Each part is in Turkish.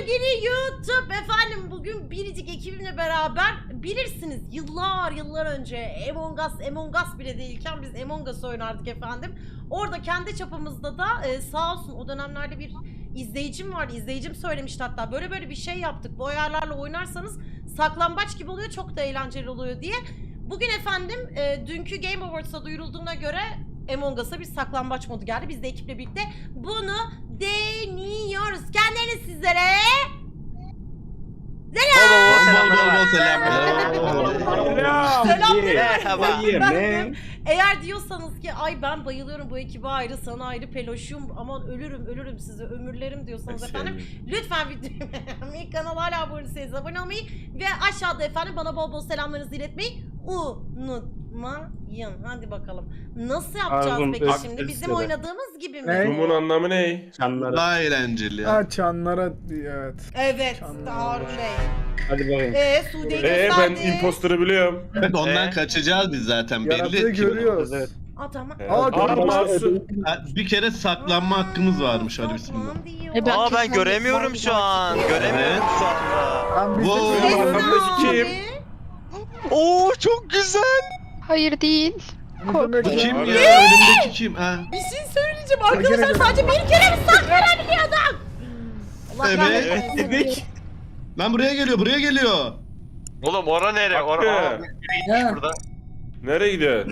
Sevgili YouTube efendim, bugün biricik ekibimle beraber bilirsiniz yıllar önce Among Us bile değilken biz Among Us oynardık efendim. Orada kendi çapımızda da sağ olsun o dönemlerde bir izleyicim vardı. İzleyicim söylemişti hatta böyle bir şey yaptık. Bu ayarlarla oynarsanız saklambaç gibi oluyor, çok da eğlenceli oluyor diye. Bugün efendim dünkü Game Awards'a duyurulduğuna göre Among Us'a bir saklambaç modu geldi. Biz de ekiple birlikte bunu deniyoruz. Kendileriniz sizlere selam. Eğer diyorsanız ki ay ben bayılıyorum bu ekibe ayrı, sana ayrı peloşum, aman ölürüm size ömürlerim diyorsanız efendim lütfen videoyu beğenmeyi, kanala hala abone değilseniz abone olmayı ve aşağıda efendim bana bol selamlarınızı iletmeyi unutmayın. Hadi bakalım. Nasıl yapacağız peki şimdi? Bizim oynadığımız gibi mi? Bunun anlamı ne? Çanlara. Daha eğlenceli ya. Ha çanlara evet. Evet. Çanlar. Harun Bey. Hadi bakayım. Sude'yi Ben gösterdi. imposter'ı biliyorum. Evet, ondan kaçacağız biz zaten. Yaratığı Belli ki. görüyoruz. Evet. Adama. Bir kere saklanma hakkımız varmış, hadi bismillah. Ben göremiyorum şu an. Göremiyorum şu anda. Ben biz Wow. de Arkamdaki kim? Oo çok güzel. Hayır değil. Kim Abi. ya? Önümdeki kim? Ha. Bir şey söyleyeceğim arkadaşlar, sadece bir kere mi saklanabiliyordum? Allah Evet. rahmet eylesin. Lan buraya geliyor. Oğlum ora nere? Hakkı. Burada. Nereye gidiyor?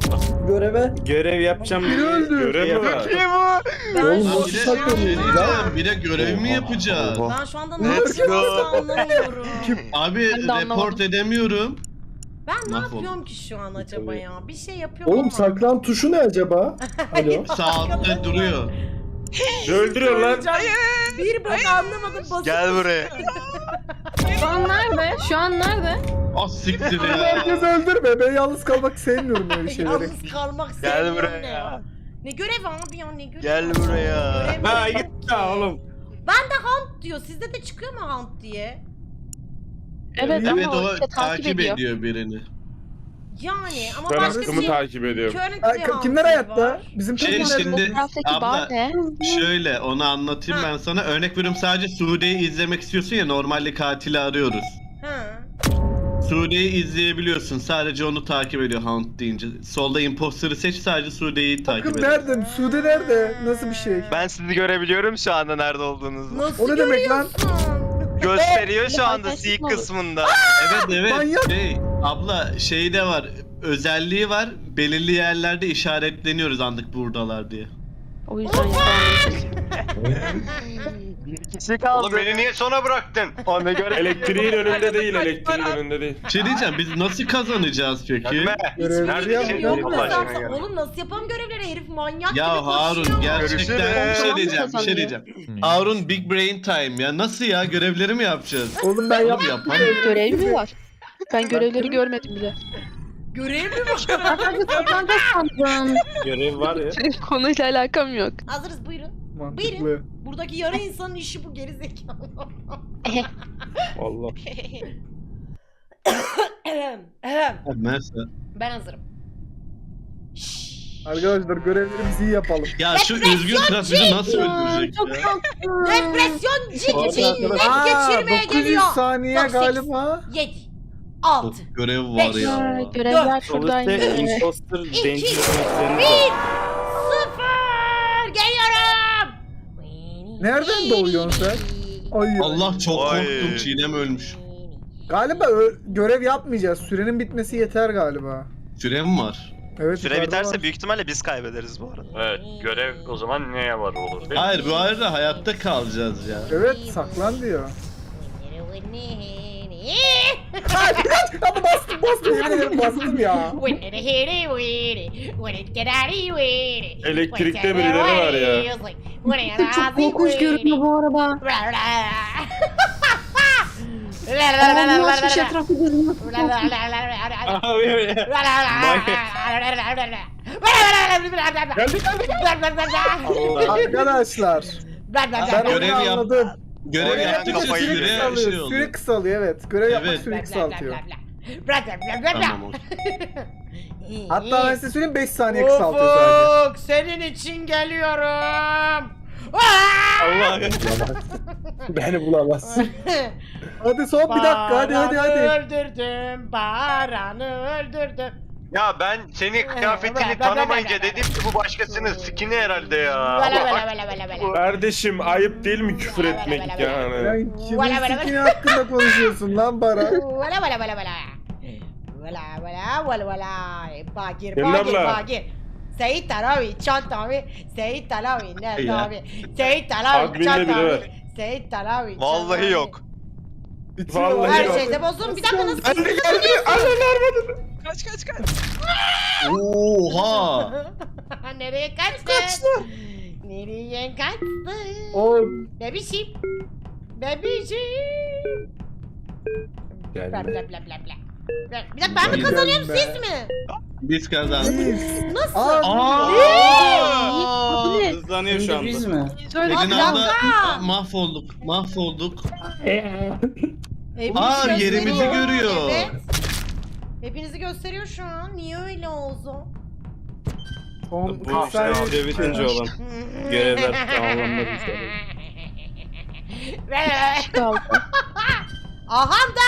Görev yapacağım. Biri öldü. Görev mi var? Ben Lan şu bir de, an- bir de görev mi yapacağız? Ben şu anda ne Let's yapacağımı go. anlamıyorum. Abi Ben de anlamadım. report edemiyorum. Ben ne Mahvoldum. yapıyorum ki şu an acaba ya? Bir şey yapıyorum Oğlum ama. saklan tuşu ne acaba? Alo. Sağ altta duruyor. Öldürüyor lan. Bir bak anlamadım, basın. Gel buraya. Şu an nerede? Şu an nerede? Ah siktir ya. Herkes öldürme. Ben yalnız kalmak sevmiyorum böyle şeyleri. Yalnız kalmak Gel sevmiyorum buraya. ne ya? Ne görev abi ya, ne görev? Gel buraya. Görev mi? Ha git ya oğlum. Hunt diyor. Sizde de çıkıyor mu Hunt diye? Evet, Evet, ama o işte takip ediyor birini. Yani ama Ben başka hakkımı bir şey. takip ediyorum. Currently Hunt Kimler diye hayatta? var. Bizim Şey, takımlar. şimdi- Fotoğraftaki abla- bar ne? Şöyle onu anlatayım Ha. ben sana. Örnek veriyorum, sadece Sude'yi izlemek istiyorsun ya, normalde katili arıyoruz. Ha. Sude'yi izleyebiliyorsun. Sadece onu takip ediyor Hunt deyince. Solda imposter'ı seç, sadece Sude'yi takip Takım ediyor. nerede? Sude nerede? Nasıl bir şey? Ben sizi görebiliyorum şu anda nerede olduğunuzu. Nasıl O ne demek lan? görüyorsun? Gösteriyor şu anda Arkadaşlık C mı olur? kısmında. Evet Manyak. Abla şey de var. Özelliği var. Belirli yerlerde işaretleniyoruz anlık buradalar diye. O yüzden yapamadım. Kişi kaldı. Oğlum beni niye sona bıraktın? O ne göre? Elektriğin önünde değil, elektriğin önünde değil. Bir şey diyeceğim, biz nasıl kazanacağız peki? Görevleri Nerede yap- şey Yok yok mu Allah aşkına sen? ya. Oğlum nasıl yapalım görevleri? Herif manyak gibi Ya Harun koşuyor. gerçekten bir şey diyeceğim. Harun big brain time ya. Nasıl ya, görevleri mi yapacağız? Oğlum ben Oğlum yaptım. Görev mi var? Ben görevleri görmedim bile. Görev mi var? Sadece saklanacak sandım. Görev var ya. Konuyla alakam yok. Hazırız, buyurun. Mantıklı. Buradaki yarı insanın işi bu, geri zekalı. Allah. Mesela. Ben hazırım. Arkadaşlar görevlerimizi iyi yapalım. Ya şu üzgün trafik bizi nasıl öldürecek ya? Depresyon ciki net Aa, geçirmeye 900 geliyor. saniye 98. galiba. 7 6 Çok görev var Beş. ya. Aa, görevler Sol şuradaymış. üstte imposter İki. danger yemeklerini 1 var. 0 geliyorum. Nereden doğuyorsun sen? Ay. Allah çok Ay. korktum, Çiğdem ölmüş. Galiba görev yapmayacağız. Sürenin bitmesi yeter galiba. Sürem var. Evet. Süre yukarıda biterse var. büyük ihtimalle biz kaybederiz bu arada. Evet, görev o zaman neye var olur değil mi? Hayır, bu arada hayatta kalacağız ya. Evet, saklan diyor. Ama bastım yemin ederim bastım ya. Elektrikte birileri var ya. Çok korkunç görünüyor bu arada. Ulaşmış etrafı görünüyor. Abi ya. Arkadaşlar, ben Görev onu yap- anladım. Görev yaptıkça kafayı süre yedi. şey Kısalıyor, oluyor. süre kısalıyor evet. Görev yapmak Evet. süreyi kısaltıyor. Tamam olsun. Hatta ben size söyleyeyim 5 saniye kısaltıyor sadece. Ufuk, senin için geliyorum. Allah beni bulamaz. Hadi son bir dakika hadi. Baran'ı öldürdüm, Baran'ı öldürdüm. Ya ben seni kıyafetini tanımayınca dedim ki bu başkasının skini herhalde ya. Vela Ama vela vela vela vela. Kardeşim ayıp değil mi küfür etmek yani? Sen kimin sikini hakkında konuşuyorsun lan Baran? Vela vela vela vela. Vela vela vela vela. Bagir Gelin bagir abla. bagir. Seyit Alavi, Çant abi, Seyit Alavi, nerede abi? Seyit Alavi, Admin'de Çant biri abi, var. Seyit Alavi. Çant Vallahi abi. yok. Bitiyor. Vallahi Her yok. şeyde bozun. Bir dakika nasıl? Kaç. Oha! Nereye kaçtı? Nereye kaçtı? Oğlum. Bebişim. Bebişim. Bla Gelme. bla bla bla bla. Bir dakika ben mi kazanıyorum Gelme. siz mi? Biz kazandık. Nasıl? Aa! Ne? Hızlanıyor şu anda. Söyle. Pelin Abla. abla mahvolduk. Hepinizi Aa, yerimizi gösteriyor. görüyor. Evet. Hepinizi gösteriyor şu an. Niye öyle oldu? Son Bu 40 saniye. işte bitince olan görevler tamamlanmak üzere. Kaldı. Aha da!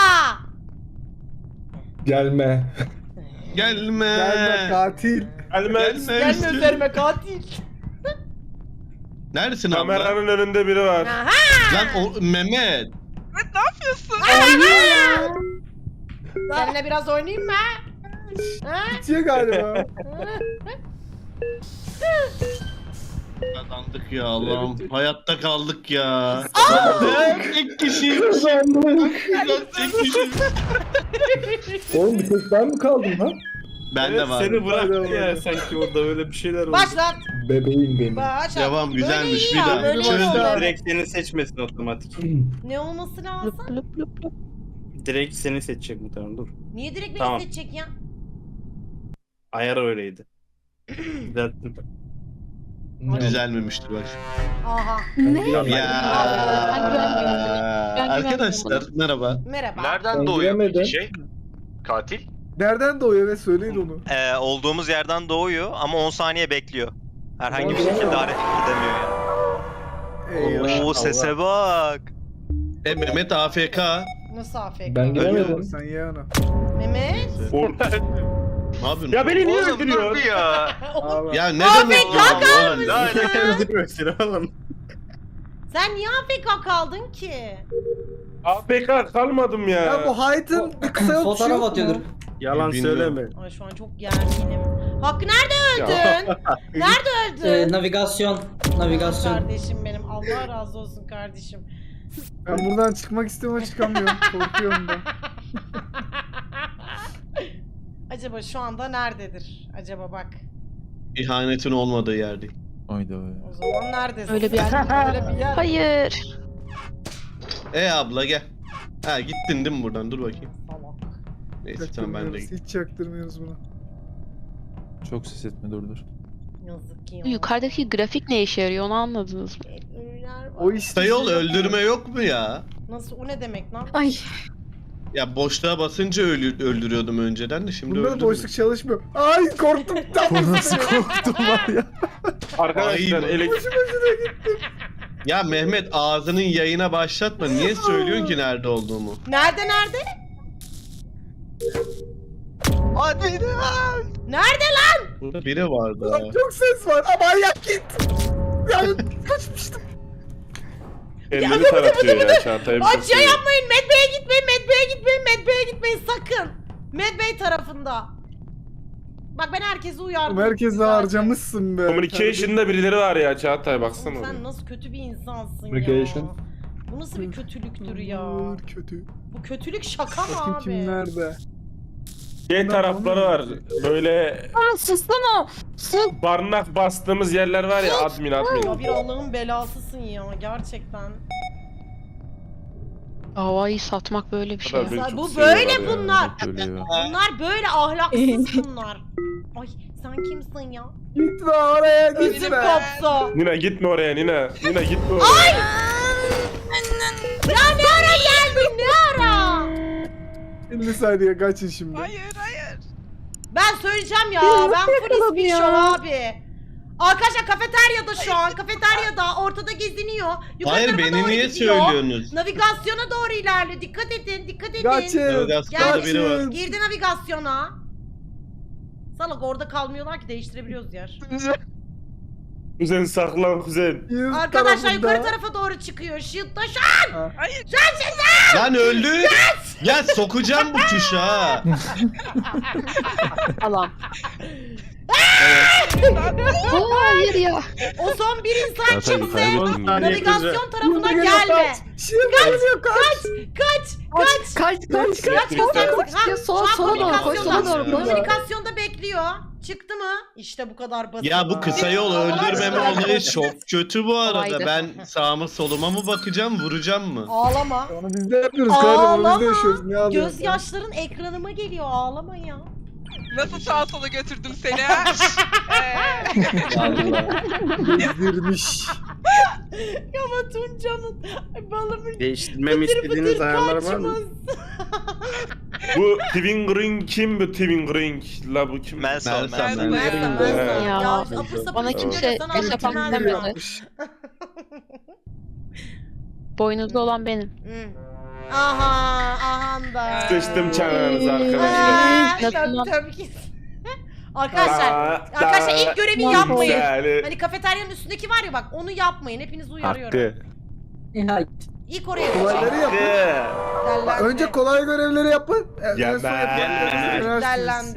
Gelme. Gelme. Gelme katil. Gelmez. Gelme üzerime katil. Neredesin abla? Kameranın önünde biri var. Aha! Lan o Mehmet. Seninle biraz oynayayım mı? Ha? Bitiyor galiba. Kazandık ya Allah'ım. Hayatta kaldık ya. Tek kişi. Tek kişi. Oğlum bir tek ben mi kaldım lan? Ben de var. Seni bıraktı ya sanki orada öyle bir şeyler oldu. Başlat. Bebeğim benim. Başlat. Devam, güzelmiş. Böyle iyi Bir ya, daha. böyle iyi Çözdüm. oldu. Direkt seni seçmesin otomatik. Ne olması lazım? Lup lup lup lup. Direkt seni seçecek muhtemelen dur. Niye direkt beni Tamam. seçecek ya? Ayar öyleydi. Düzelttim. Düzelmemiştir bak. Aha. Ne? Ya. Ben Arkadaşlar merhaba. Merhaba. Nereden Ben doğuyor giremedim. peki şey? Katil? Nereden doğuyor ve söyleyin onu. Olduğumuz yerden doğuyor ama 10 saniye bekliyor. Herhangi bir şekilde hareket edemiyor yani. Eyvah. Oo sese bak. Mehmet AFK. Nasıl AFK? Ben giremedim. Sen ye onu. Mehmet. Orada. Ne yapıyorsun? Ya beni niye Oğlum dur öldürüyor? bir ya. Abi. Ya ne AFK demek ya oğlum? La la. Öldürmesin oğlum. Sen niye AFK kaldın ki? APK kalmadım ya. Ya bu Hyde'ın bir kısa yol tuşu yok mu? Yalan Bilmiyorum. söyleme. Ay şu an çok gerginim. Hakkı nerede öldün? Nerede öldün? Navigasyon. Kardeşim benim. Allah razı olsun kardeşim. Ben buradan çıkmak istiyorum ama çıkamıyorum. Korkuyorum da. Acaba şu anda nerededir? Acaba bak. İhanetin olmadığı yerde. O zaman neredesin? Öyle bir yer. Öyle bir yer. Hayır. Abla gel. Ha gittin değil mi buradan? Dur bakayım. Salak. Neyse tamam ben de Çaktırmıyoruz, gittim. hiç çaktırmıyoruz bunu. Çok ses etme dur. Yazık ki ya. Bu yukarıdaki grafik ne işe yarıyor onu anladınız mı? Ölüler var. O işte. Sayol öldürme yok mu ya? Nasıl? O ne demek lan? Ay. Ya boşluğa basınca öldürüyordum önceden de şimdi Bunda da öldürmüyorum. boşluk çalışmıyor. Ay korktum. Nasıl korktum var ya. Arkadaşlar Ay, elektrik. Ya Mehmet ağzının yayına başlatma. Niye söylüyorsun ki nerede olduğumu? Nerede? Hadi lan. Nerede lan? Burada biri vardı. Lan çok ses var ama ayak git. Yani kaçmıştım. Kendini taratıyor ya Çağatay. Ay şey yapmayın. Medbay'e gitmeyin. Medbay'e gitmeyin sakın. Medbay tarafında. Bak ben herkesi uyardım. Merkezi zaten. harcamışsın be. Communication'da birileri var ya Çağatay Oğlum baksana. sen oraya. nasıl kötü bir insansın Communication. ya. Bu nasıl bir kötülüktür ya? Kötü. Bu kötülük şaka mı Bakayım abi? kim nerede? Şey tarafları var. Böyle Sussana. barınak bastığımız yerler var ya admin. Ya bir Allah'ın belasısın ya gerçekten. Havayı satmak böyle bir şey. Kadar beni çok Bu seviyorlar böyle ya. bunlar. Böyle ya. Bunlar böyle ahlaksız bunlar. Ay sen kimsin ya? Gitme oraya Üzüm gitme. koptu. Nina gitme oraya Nina. Nina gitme oraya. Ya ne ara geldin ne ara? 50 saniye kaçın şimdi. Ben söyleyeceğim ya ben full yakaladı ispişo ya. abi. Arkadaşlar kafeteryada şu an. Kafeteryada ortada geziniyor. Yukarı Hayır tarafa beni doğru niye gidiyor. söylüyorsunuz? Navigasyona doğru ilerliyor. Dikkat edin, dikkat edin. Kaçın. Navigasyonda biri var. Girdi navigasyona. Salak orada kalmıyorlar ki, değiştirebiliyoruz yer. Kuzen saklan kuzen. Yüz Arkadaşlar tarafında. yukarı tarafa doğru çıkıyor. Shield'da şu an. Lan öldü. Ya sokacağım bu tuşa ha. Alan. Hayır ya. O son bir insan Çağatay kimse kaybettin gibi. navigasyon tarafına Geliyor, gelme. kaç. Şimdi geliyor kaç. Kaç. Kaç. Ha, Sola şu an doğru koş, sola doğru koş. Komünikasyonda bekliyor. Çıktı mı? İşte bu kadar basit. Ya bu kısa yol öldürmeme olayı çok kötü bu arada. Kolaydı. Ben sağıma soluma mı bakacağım, vuracağım mı? Ağlama. Onu biz de yapıyoruz kardeşim. Onu biz de Ağlama. yaşıyoruz. Ne alıyorsun? Gözyaşların ekranıma geliyor. Ağlama ya. Nasıl sağa sola götürdüm seni ha? Gezdirmiş. Ama Tunca'nın balımın Değiştirmemi pıtır istediğiniz pıtır ayarlar var kaçmaz. mı? Bu Twin Ring kim bu Twin Ring? La bu kim? Mensal, Ben mensal. sen- Ya Ya, apır sapır bana kimse sana hesap anlatmaz demedi. ya. Boynuzlu olan benim. Hı. Aha da. Sıçtım çanağınızı arkadaşlar. Tabii ki. Arkadaşlar ilk görevi yapmayın. Güzel. Hani kafeteryanın üstündeki var ya bak, onu yapmayın. Hepinizi uyarıyorum. Hakkı. İlk oraya Kolayları gideceğim. yapın. Dellendi. Önce kolay görevleri yapın. Yeme. Dellendi.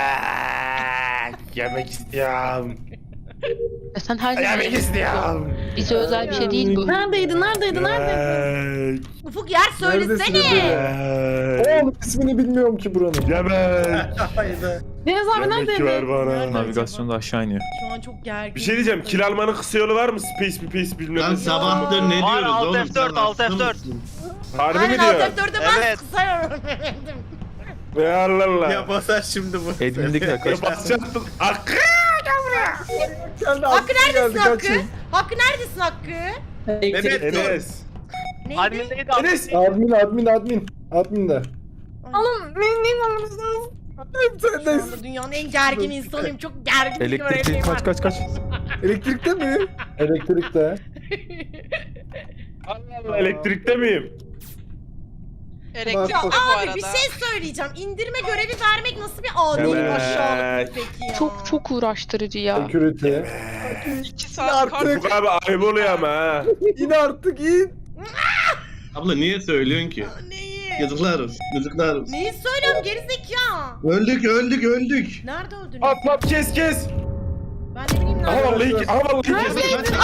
Yemek istiyorum. Ya sen her Yemek zaman istiyorum. bize özel bir şey değil bu. Neredeydi? Yemek. Ufuk yer söylesene. Yemek. Oğlum ismini bilmiyorum ki buranın. Yemek. Deniz Yemek ver bana. Navigasyonda aşağı iniyor. Şu an çok gergin. Bir şey diyeceğim. Kil almanın kısa yolu var mı? Space mi pace bilmem Lan ne. sabahtır ne Var, diyoruz Alt oğlum? F4, Sen Alt hasta F4. mısın? Harbi mi Aynen diyor? alt F4'e ben Evet. kısıyorum. Ve Allah Allah. Ya basar şimdi bu. Edmindik arkadaşlar. Basacaktım. Hakkı. Kendi Hakkı aklına neredesin geldi, Hakkı? kaçın. Hakkı neredesin Hakkı? Mehmet Enes. Neydi? Admin'deydi Enes. Admin de. Sen Şu de anda dünyanın en gergin insanıyım. Çok gergin bir Elektrikli görevim var. kaç. elektrikte mi? Elektrikte. Allah Allah, elektrikte miyim? Elektrik Bak, bu bak. arada. Abi bir şey söyleyeceğim. İndirme görevi vermek nasıl bir adil Evet. aşağılık peki ya? Çok uğraştırıcı ya. Security. 2 saat kart. Artık Bu abi ayıp oluyor ama ha. in artık in. Abla niye söylüyorsun ki? Neyi? Yazıklar olsun. Yazıklar olsun. Neyi söylüyorum gerizekalı? Öldük. Nerede öldün? At kes. Ben ne bileyim Aha nerede vallahi kes.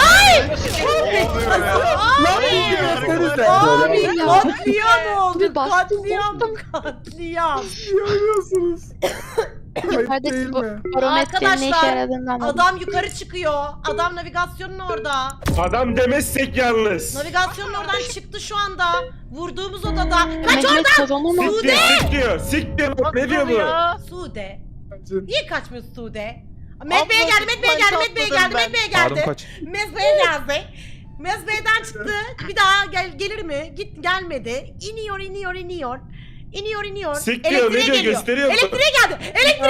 Lan iyi görsenize. Abi Ya. katliam oldu. Bir bastım, Katliam. Görüyorsunuz. Ayıp Hadi değil bu- mi? Barometrenin ne işe Arkadaşlar, yaradığını anladım. Adam yukarı çıkıyor. Adam navigasyonun orada. Adam demezsek yalnız. Navigasyonun oradan çıktı şu anda. Vurduğumuz odada. Kaç Mehmet oradan? kazanamaz. Sik diyor. Ne diyor bu? Sude. Kaçın. Niye kaçmıyorsun Sude? Medbe'ye geldi, Medbe'ye geldi, Medbe'ye geldi, Medbe'ye Harun geldi. kaç. Mezbe'ye geldi. Mezbe'den çıktı. Bir daha gelir mi? Gelmedi. İniyor. Sik diyor, ne diyor, gösteriyor mu? Elektriğe geldi.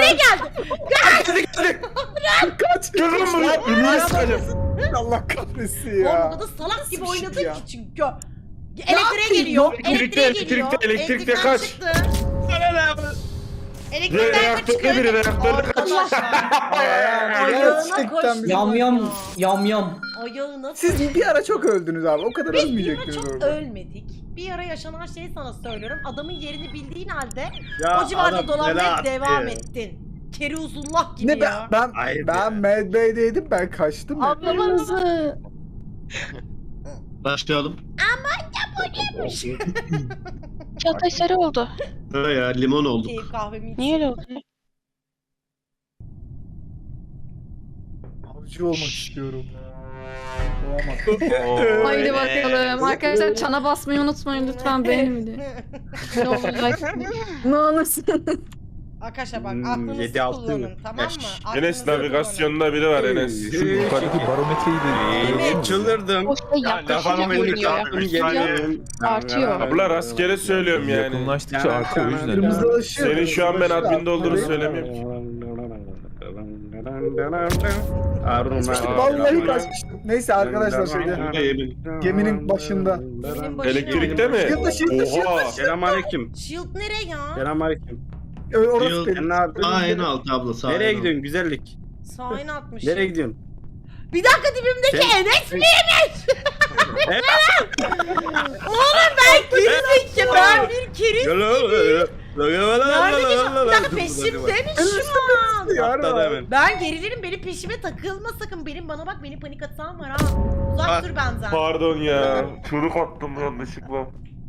Kaç. Gözüm buraya. Ümüğü sıkacağım. Allah kahretsin Oğlum ya. burada salak gibi Nasıl bir şey oynadın ya? ki çünkü. Elektriğe geliyor. Elektrikte kaç. Çıktı. Elektrikten Reaktörde çıktı. biri, reaktörde kaç. Ayağına koştu. Yam. Ayağına Siz bir ara çok öldünüz abi. O kadar Biz bir ara ölmeyecektiniz çok orada. ölmedik. Bir ara yaşanan şeyi sana söylüyorum. Adamın yerini bildiğin halde Ya o civarda adam dolanmaya neler devam yaptı? ettin. Kerizullah gibi Ne ya. ben Mad Bey'deydim, ben kaçtım ya. Ablamızı. Başlayalım. Çağatay sarı oldu. Ha ya limon olduk. Keyif kahvemi Niye öyle oldu? Avcı olmak istiyorum. Olamadım. Haydi bakalım. Arkadaşlar çana basmayı unutmayın lütfen beğeni. Ne olur like. Ne olursun. Arkadaşlar bak 7, aklınızı 6, kullanın tamam mı? Enes Aklınızı navigasyonda biri var Enes. Şu yukarıdaki barometreyi de Çıldırdım. O şey yaklaşınca Kafamı oynuyor. Artıyor. Abla rastgele söylüyorum yani. yakınlaştıkça artıyor o yüzden. Kırmızılaşıyor. Senin şu an ben adminde olduğunu söylemiyorum ki. Vallahi kaçmıştım. Neyse arkadaşlar şeyde. Geminin başında. Geminin başında. Elektrikte mi? Shield'da. Oha. Selamünaleyküm. Shield nereye ya? Selamünaleyküm. Orası Shield. benim. Ne yapıyorsun? Sağ en alt abla sağ Nereye en alt. gidiyorsun güzellik? Sağ in atmış. Nereye gidiyorsun? Bir dakika dibimdeki Sen- Enes miymiş? Oğlum ben gerizekalı. Ben bir keriz. Nerede geçen? Bir dakika peşimde mi şu an? Atladı hemen. Ben gerilirim, benim peşime takılma sakın. Bana bak, benim panik atağım var ha. Uzak dur benden. Pardon ya. Çocuk attım yanlışlıkla.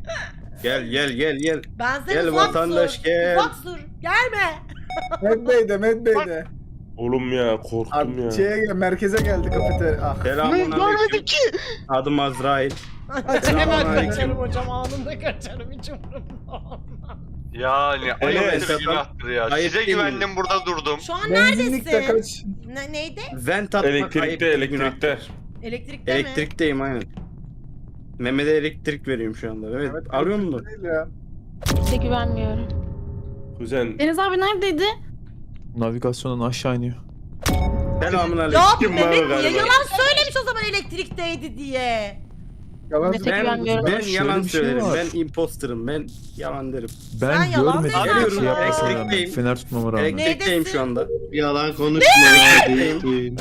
Gel. Benden Gel uzak vatandaş, dur. gel. Uzak dur. Gelme. Medbay'de. Oğlum ya korktum ya. Abi şeye gel, merkeze geldi kafeterya. Ah. Selamünaleyküm. Adım Azrail. Hemen Selamünaleyküm. kaçarım hocam, anında kaçarım, hiç umurumda olmaz. Yani ayıptır Evet. günahtır ya. Ayıp Size değil mi? güvendim burada durdum. Şu an Benzinlikte neredesin? kaç. Neydi? Vent atmak Elektrikte ayıp, günah. elektrikte. Elektrikte mi? Elektrikteyim aynen. Mehmet'e elektrik veriyorum şu anda. Evet, alıyor musun? Değil ya. Kimse güvenmiyorum. Kuzen. Deniz abi neredeydi? Navigasyondan aşağı iniyor. Selamünaleyküm. Ya bu Kim var Mehmet niye galiba? yalan söylemiş o zaman elektrikteydi diye. Yalan Mete söylüyor. güvenmiyorum. Ben Şöyle yalan bir şey söylerim. var. Ben imposterım. Ben yalan derim. Ben Sen yalan görmedim. söylüyorsun. Şey yapmasına rağmen. Elektrikteyim. Fener tutmama rağmen. Elektrikteyim şu anda. Yalan konuşma ya. değil.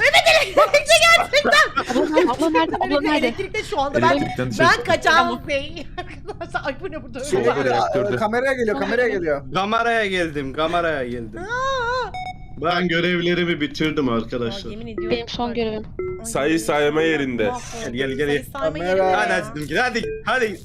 Abla nerede? Abla nerede? Elektrikte şu anda ben Elektrikten dışarı ben çıktım. kaçağım bey. Arkadaşlar ay bu ne burada öyle Sola var. var reaktörde. Kameraya geliyor. Kameraya geldim. Ben görevlerimi bitirdim Aa, arkadaşlar. yemin ediyorum. Benim son görevim. Ay, Sayı sayma yerinde. mahvoldum. Gel. Sayı sayma Kamera. yerinde Hadi ya. açtım ki hadi.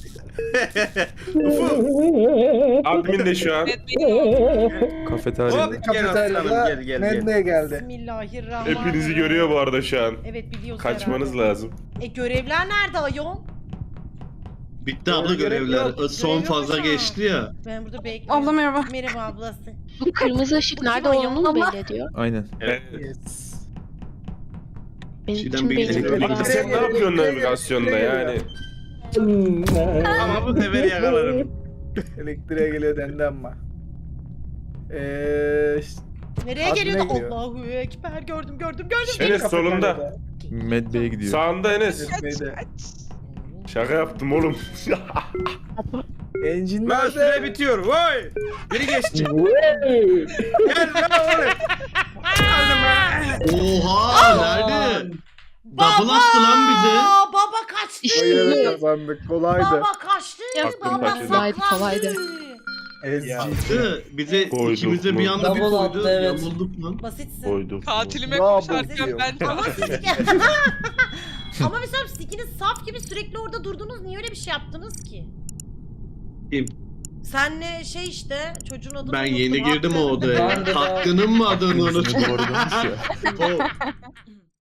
Admin de şu an. Kafeteryada. Hop gel aslanım Kafeteryada gel. Medbay'e geldi. Bismillahirrahmanirrahim. Hepinizi görüyor bu arada şu an. Evet biliyoruz Kaçmanız herhalde. lazım. Görevler nerede ayol? Bitti abla görevler. Yok, Son görev yok fazla şu an. geçti ya. Ben burada bekliyorum. Abla merhaba. Merhaba ablası. Bu kırmızı ışık Bu nerede kim ayol? olduğunu mu belli ediyor? Aynen. Yes. Benim Şeyden için bir belli elektrik- ediyor. Sen ne yapıyorsun navigasyonda yani? Ama bu sefer yakalarım. Elektriğe geliyor dendi ama. Nereye Adına geliyordu? geliyor. Allahu ekber, gördüm. Enes solunda. Medbay'e gidiyor. Sağında Enes. Medbay'de. Şaka yaptım oğlum. Engine Ben nerede? süre bitiyor. Vay! Biri geçti. Gel lan oğlum. Oha nerede? Double attı lan bize. Baba kaçtı. İşte Hayır bu. kazandık. Kolaydı. Baba kaçtı. Aklım Baba kaçırdı. Kolaydı, saklandı. kolaydı. Ezgi. Bize Koyduk ikimize mu? bir anda bir Double koydu. attı, evet. Yamulduk lan. Basitsin. Koydum. Katilime Bravo koşarken diyor. ben Ama siz Ama mesela sikiniz saf gibi sürekli orada durdunuz. Niye öyle bir şey yaptınız ki? Kim? Senle şey işte çocuğun adını Ben unuttum, yeni girdim o Hakkı. odaya. Hakkının mı adını Yüzüne unuttum? doğru dönmüş ya. O